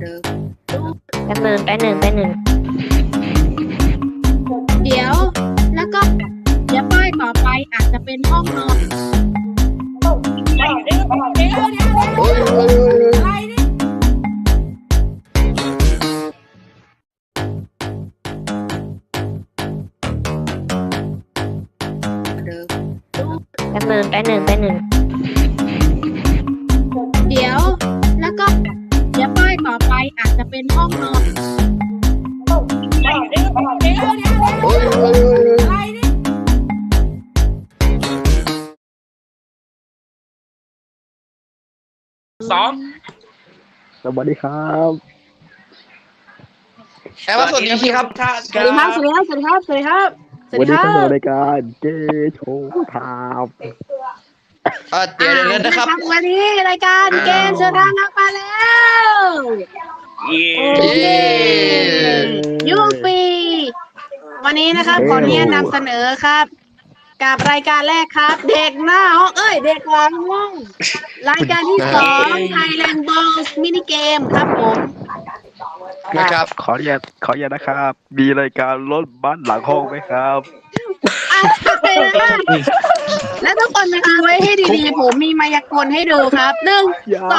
แป๊บนึงเดี๋ยวแล้วก็เดี๋ยวป้ายต่อไปอาจจะเป็นห้องนอนแป๊บนึงเดี๋ยวแล้วก็เดี๋ยวป้ายต่อไปอาจจะเป็นห้องนอนสองสวัสดีครับแอบว่าสวัสดีครับท่านสวัสดีครับสวัสดีครับสวัสดีครับสวัสดีครับวันนี้เข้าสู่รายการเกโชว์ทามเดี๋ยวนะครับวันนี้รายการเกมเชิญทางนักมาแล้วยูฟีวันนี้นะครับขออนุญาตนำเสนอครับกับรายการแรกครับ เด็กหน้าห้องเด็กหลังห้องรายการที่สองไทยแลนด์บอลมินิเกมครับผมนะครับขออนุญาตนะครับ มีรายการรถบัสหลังห้องไหมครับและทุกคนนะคะไว้ให้ดีๆผมมีมายากลให้ดูครับ1 2 3 สองเรียบ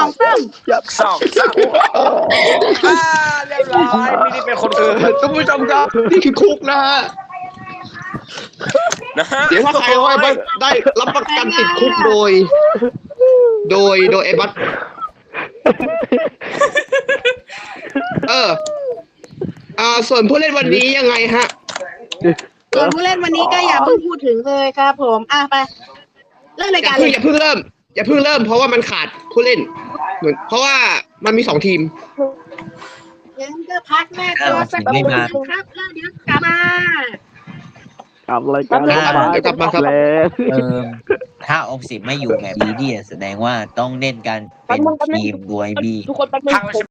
ร้อยไม่ได้เป็นคนอื่นท่านผู้ชมครับนี่คือคุกนะฮะนะฮะเดี๋ยวถ้าใครว่าได้รับประกันติดคุกโดยไอ้บัตส่วนผู้เล่นวันนี้ยังไงฮะส่วนผู้เล่นวันนี้ก็อย่าเพิ่งพูดถึงเลยครับผมไปเริ่มรายการเลยอย่าเพิ่งเริ่มเพราะว่ามันขาดผู้เล่นเพราะว่ามันมี2 ทีมงั้นก็พักแม่ตัวสักครู่นึงครับแล้วเดี๋ยวกลับมากับรายการเดี๋ยวกลับมาครับแล้วถ้าออมสินไม่อยู่แบบนี้เนี่ยแสดงว่าต้องเล่นกันเป็นทีมโดยมีทุกคนแป๊บนึงพังแล้ว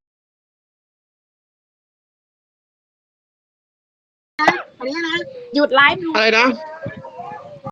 ขออนุญาตนะหยุดไลฟ์ดูอะไรนะ